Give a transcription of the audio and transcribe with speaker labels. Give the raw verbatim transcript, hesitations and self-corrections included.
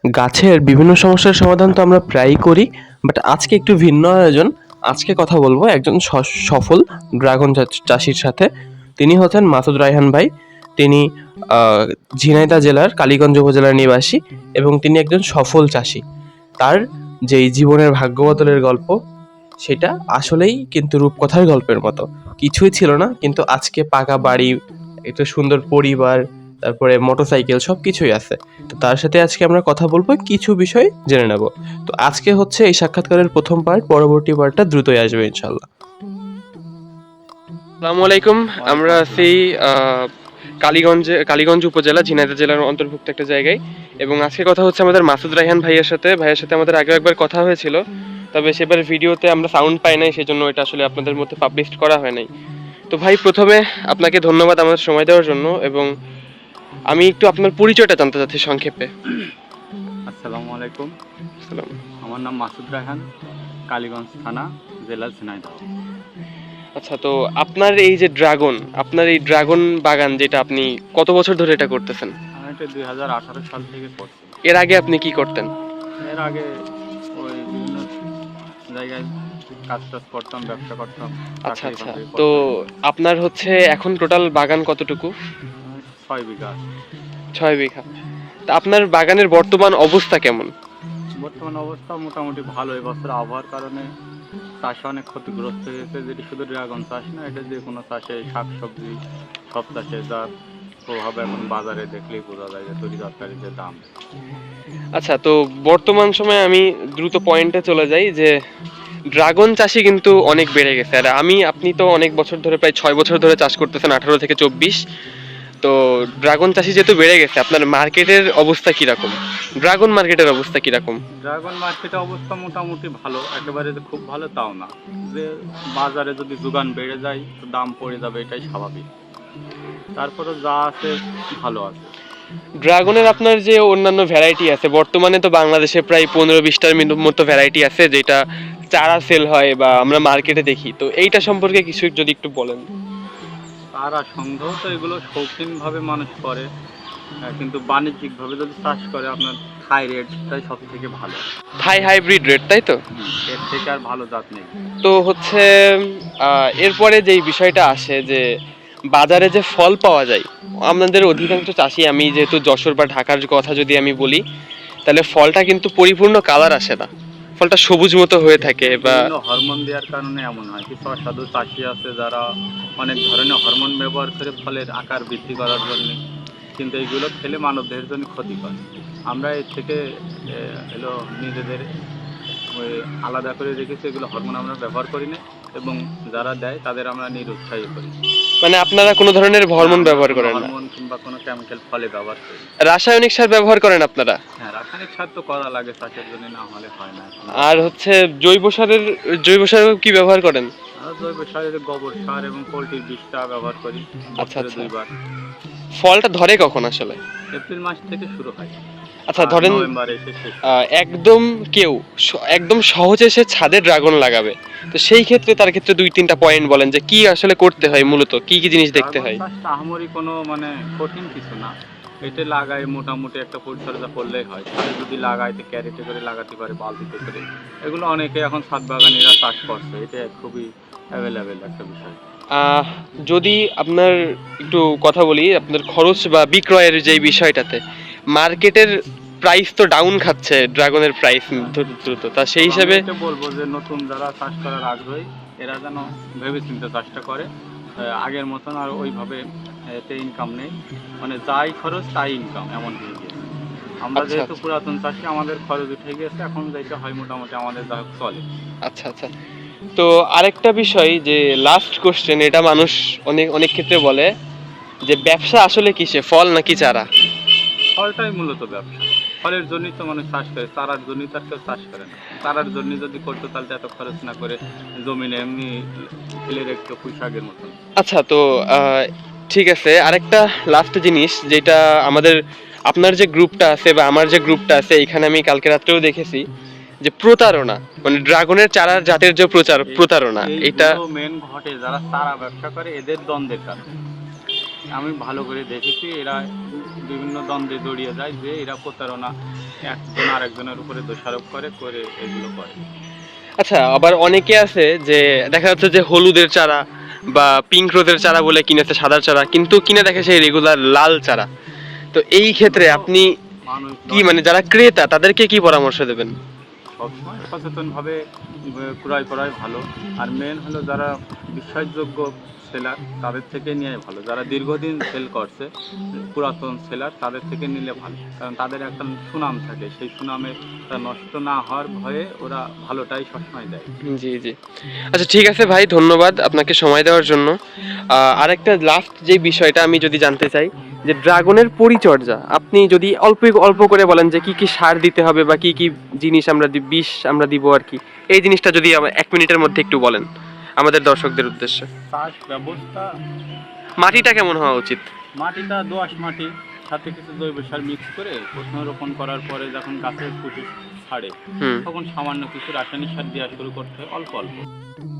Speaker 1: গাছের বিভিন্ন সমস্যার সমাধান তো আমরা প্রায়ই করি, বাট আজকে একটু ভিন্ন আয়োজন। আজকে কথা বলবো একজন স- সফল ড্রাগন চা- চাষির সাথে। তিনি হচ্ছেন মাসুদ রায়হান ভাই। তিনি আহ, ঝিনাইদহ জেলার কালীগঞ্জ উপজেলার নিবাসী এবং তিনি একজন সফল চাষি। তার যেই জীবনের ভাগ্য বদলের গল্প, সেটা আসলেই কিন্তু রূপকথার গল্পের মতো। কিছুই ছিল না, কিন্তু আজকে পাকা বাড়ি, একটা সুন্দর পরিবার, তারপরে মোটরসাইকেল, সব কিছুই আছে। তো তার সাথে আজকে আমরা কথা বলবো, কিছু বিষয় জেনে নেব। তো আজকে হচ্ছে এই সাক্ষাৎকারের প্রথম পার্ট, পরবর্তী পার্টটা দ্রুতই আসবে ইনশাল্লাহ। আসসালামু আলাইকুম। আমরা আছি আহ, কালীগঞ্জে কালীগঞ্জ উপজেলা ঝিনাইদহ জেলার অন্তর্ভুক্ত একটা জায়গায়, এবং আজকে কথা হচ্ছে আমাদের মাসুদ রায়হান ভাইয়ের সাথে। ভাইয়ের সাথে আমাদের আগে একবার কথা হয়েছিল, তবে সেবার ভিডিওতে আমরা সাউন্ড পাই নাই, সেজন্য এটা আসলে আপনাদের মধ্যে পাবলিশ করা হয় নাই। তো ভাই, প্রথমে আপনাকে ধন্যবাদ আমাদের সময় দেওয়ার জন্য, এবং আমি একটু আপনার পরিচয়টা জানতে চাচ্ছি সংক্ষেপে।
Speaker 2: আসসালামু আলাইকুম।
Speaker 1: সালাম।
Speaker 2: আমার নাম মাসুদ রায়হান, কালীগঞ্জ থানা, জেলা ঝিনাইদহ।
Speaker 1: আচ্ছা, তো আপনার এই যে ড্রাগন, আপনার এই ড্রাগন বাগান যেটা, আপনি কত বছর ধরে এটা করতেছেন?
Speaker 2: আমি এটা দুই হাজার আঠারো সাল থেকে করছি।
Speaker 1: এর আগে আপনি কি করতেন?
Speaker 2: এর আগে ওই বিভিন্ন জায়গায় কাজ টাজ করতাম, ব্যবসা করতাম,
Speaker 1: আচ্ছা
Speaker 2: চাকরি
Speaker 1: আচ্ছা,
Speaker 2: বাকরি
Speaker 1: তো
Speaker 2: করতাম।
Speaker 1: আপনার হচ্ছে এখন টোটাল বাগান কতটুকু?
Speaker 2: আমি ছয় বিঘা।
Speaker 1: ছয় বিঘা। তা আপনার বাগানের বর্তমান অবস্থা কেমন?
Speaker 2: বর্তমান অবস্থা মোটামুটি ভালো। এবছর আবহাওয়ার কারণে চাষে অনেক ক্ষতিগ্রস্ত হয়েছে। যেটি শুধু ড্রাগন চাষ না, এটা যে কোনো চাষে, শাকসবজি সব চাষে যার প্রভাব এখন বাজারে দেখলেই বোঝা যায় যে তরি তরকারির যে দাম।
Speaker 1: আচ্ছা, তো বর্তমান সময়ে আমি দ্রুত পয়েন্টে চলে যাই যে ড্রাগন চাষি কিন্তু অনেক বেড়ে গেছে। আর আমি, আপনি তো অনেক বছর ধরে, প্রায় ছয় বছর ধরে চাষ করতেছেন, আঠারো থেকে চব্বিশ। তো ড্রাগন চাষি যেহেতু বেড়ে গেছে, আপনার মার্কেটের অবস্থা কিরকম? ড্রাগন মার্কেটের অবস্থা কিরকম?
Speaker 2: ড্রাগন মার্কেটে অবস্থা মোটামুটি ভালো, একেবারে যে খুব ভালো তাও না। যে বাজারে যদি যোগান বেড়ে যায় তো দাম পড়ে যাবে, এটাই স্বাভাবিক। তারপরে যা আছে ভালো আছে।
Speaker 1: ড্রাগনের আপনার যে অন্যান্য ভ্যারাইটি আছে, বর্তমানে তো বাংলাদেশে প্রায় পনেরো বিশটার মতো ভ্যারাইটি আছে যেটা চারা সেল হয় বা আমরা মার্কেটে দেখি। তো এইটা সম্পর্কে কিছু যদি একটু বলেন।
Speaker 2: তারা সংগ্রহ তো এগুলো শৌখিনভাবে মানুষ করে, আহ, কিন্তু বাণিজ্যিকভাবে যদি চাষ করে আপনার থাই রেটটাই সব থেকে ভালো।
Speaker 1: থাই হাইব্রিড রেট, তাই তো?
Speaker 2: হুম, এর থেকে আর ভালো জাত নেই।
Speaker 1: তো হচ্ছে আহ, এরপরে যেই বিষয়টা আসে যে বাজারে যে ফল পাওয়া যায়, আমাদের অধিকাংশ চাষি, আমি যেহেতু যশোর বা ঢাকার কথা যদি আমি বলি, তাহলে ফলটা কিন্তু পরিপূর্ণ কালার আসে না, ফলটা সবুজ মতো হয়ে থাকে বা
Speaker 2: বিভিন্ন হরমোন দেওয়ার কারণে এমন হয়। কিছু অসাধু চাষি আছে যারা অনেক ধরনের হরমোন ব্যবহার করে ফলের আকার বৃদ্ধি করার জন্য, কিন্তু এইগুলো খেলে মানবদেহের জন্য ক্ষতিকর। আমরা এর থেকে হলো নিজেদের ওই আলাদা করে রেখেছি, এগুলো হরমোন আমরা ব্যবহার করি না, এবং যারা দেয় তাদের আমরা নিরুৎসাহিত করি।
Speaker 1: মানে আপনারা কোনো ধরনের হরমোন ব্যবহার
Speaker 2: কোনো
Speaker 1: করেন না?
Speaker 2: হরমোন কিংবা কোনো কেমিক্যাল ফলে ব্যবহার করি না।
Speaker 1: রাসায়নিক সার ব্যবহার করেন আপনারা?
Speaker 2: হ্যাঁ, রাসায়নিক সার তো করা লাগে চাষের জন্য, না হলে হয় না।
Speaker 1: আর হচ্ছে জৈব সারের, জৈব সার কি ব্যবহার করেন?
Speaker 2: আমরা জৈব সার, গোবর সার এবং পোলট্রির বিষটা ব্যবহার করি
Speaker 1: আচ্ছা
Speaker 2: বছরে
Speaker 1: আচ্ছা।
Speaker 2: দুইবার।
Speaker 1: ফলটা ধরে কখন আসলে?
Speaker 2: এপ্রিল মাস থেকে শুরু হয়,
Speaker 1: আচ্ছা,
Speaker 2: আর
Speaker 1: ধরেন
Speaker 2: নভেম্বরে এসে শেষ হয়।
Speaker 1: আহ, একদম কেউ স- একদম সহজে সে ছাদে ড্রাগন লাগাবে, তো সেই ক্ষেত্রে তার ক্ষেত্রে দুই তিনটা পয়েন্ট বলেন যে কি আসলে করতে হয়, মূলত কি কি জিনিস দেখতে
Speaker 2: ড্রাগন
Speaker 1: হয়?
Speaker 2: চাষটা আহামরি কোনো মানে কঠিন কিছু না। এটা লাগায় মোটামুটি একটা পরিচর্যা করলেই হয়। ছাদে যদি লাগায় তো ক্যারেটে করে লাগাতে পারে, বালতিতে করে। এগুলো অনেকে এখন ছাদ বাগানিরা চাষ করছে, এটা খুবই অ্যাভেলেবেল একটা বিষয়।
Speaker 1: আহ, যদি আপনার একটু কথা বলি আপনার খরচ বা বিক্রয়ের যে বিষয়টাতে, মার্কেটের প্রাইস তো ডাউন খাচ্ছে, ড্রাগনের প্রাইস দ্রুত, তা সেই
Speaker 2: তবে আমি
Speaker 1: হিসাবে
Speaker 2: এটা বলবো যে নতুন যারা চাষ করার আগ্রহী, এরা যেন ভেবেচিন্তে চাষটা করে। আহ, আগের মতন আর ওইভাবে এতে ইনকাম নেই, মানে যাই খরচ তাই ইনকাম, এমন হয়ে গেছে। আমরা
Speaker 1: আচ্ছা
Speaker 2: যেহেতু
Speaker 1: আচ্ছা
Speaker 2: পুরাতন চাষি, আমাদের খরচ উঠে গেছে, এখন যেটা হয় মোটামুটি আমাদের যা হোক চলে।
Speaker 1: আচ্ছা আচ্ছা। তো আরেকটা বিষয়, যে লাস্ট কোশ্চেন, এটা মানুষ অনেক অনেক ক্ষেত্রে বলে যে ব্যবসা আসলে কিসে, ফল নাকি চারা?
Speaker 2: ফলটাই মূলত ব্যবসা। ফলের জন্যই তো মানুষ চাষ করে, চারার জন্যই তার কেউ চাষ করে না। চারার জন্য যদি করতো তাহলে এত খরচ না করে জমিনে এমনি ফেলে রেখে পুঁই শাকের মতন।
Speaker 1: আচ্ছা, তো আহ, ঠিক আছে, আরেকটা লাস্ট জিনিস যেটা আমাদের, আপনার যে গ্রুপটা আছে বা আমার যে গ্রুপটা আছে, এখানে আমি কালকে রাত্রেও দেখেছি যে প্রতারণা, মানে ড্রাগনের চারার জাতের যে প্রচার প্রতারণা, এটা
Speaker 2: এইগুলো মেন ঘটে যারা চারা ব্যবসা করে, এদের দ্বন্দ্বের কারণে। আমি ভালো করে দেখেছি এরা বিভিন্ন দ্বন্দ্বে জড়িয়ে যায়, যে এরা প্রতারণা একজন আরেকজনের উপরে দোষারোপ করে করে এগুলো করে।
Speaker 1: আচ্ছা, আবার অনেকে আছে যে দেখা যাচ্ছে যে হলুদের চারা বা পিঙ্ক রোজের চারা বলে কিনেছে, সাদার চারা, কিন্তু কিনে দেখে সেই রেগুলার লাল চারা। তো এই ক্ষেত্রে আপনি
Speaker 2: মানুষ
Speaker 1: কি মানে যারা ক্রেতা তাদেরকে কি পরামর্শ দেবেন?
Speaker 2: সবসময় সচেতনভাবে ক্রয় করাই ভালো। আর মেন হলো যারা বিশ্বাসযোগ্য সেলার তাদের থেকে নেওয়াই ভালো, যারা দীর্ঘদিন সেল করছে পুরাতন সেলার তাদের থেকে নিলে ভালো, কারণ তাদের একটা সুনাম থাকে, সেই সুনামে তা নষ্ট না হওয়ার ভয়ে ওরা ভালোটাই সবসময় দেয়।
Speaker 1: জি জি। আচ্ছা ঠিক আছে ভাই, ধন্যবাদ আপনাকে সময় দেওয়ার জন্য। আহ, আরেকটা লাস্ট যে বিষয়টা আমি যদি জানতে চাই যে ড্রাগনের পরিচর্যা আপনি যদি অল্প অল্প করে বলেন যে কি কি সার দিতে হবে বা কি কি জিনিস আমরা দি- বিষ আমরা দিব আর কি, এই জিনিসটা যদি আমার এক মিনিটের মধ্যে একটু বলেন আমাদের দর্শকদের উদ্দেশ্যে।
Speaker 2: চাষ ব্যবস্থা,
Speaker 1: মাটিটা কেমন হওয়া উচিত?
Speaker 2: মাটিটা দোআঁশ মাটি সাথে কিছু জৈব সার মিক্স করে প্রথমে রোপণ করার পরে যখন গাছের পুঁটি ছাড়ে
Speaker 1: হুম।
Speaker 2: তখন সামান্য কিছু রাসায়নিক সার দেওয়া শুরু করতে হয়, অল্প অল্প।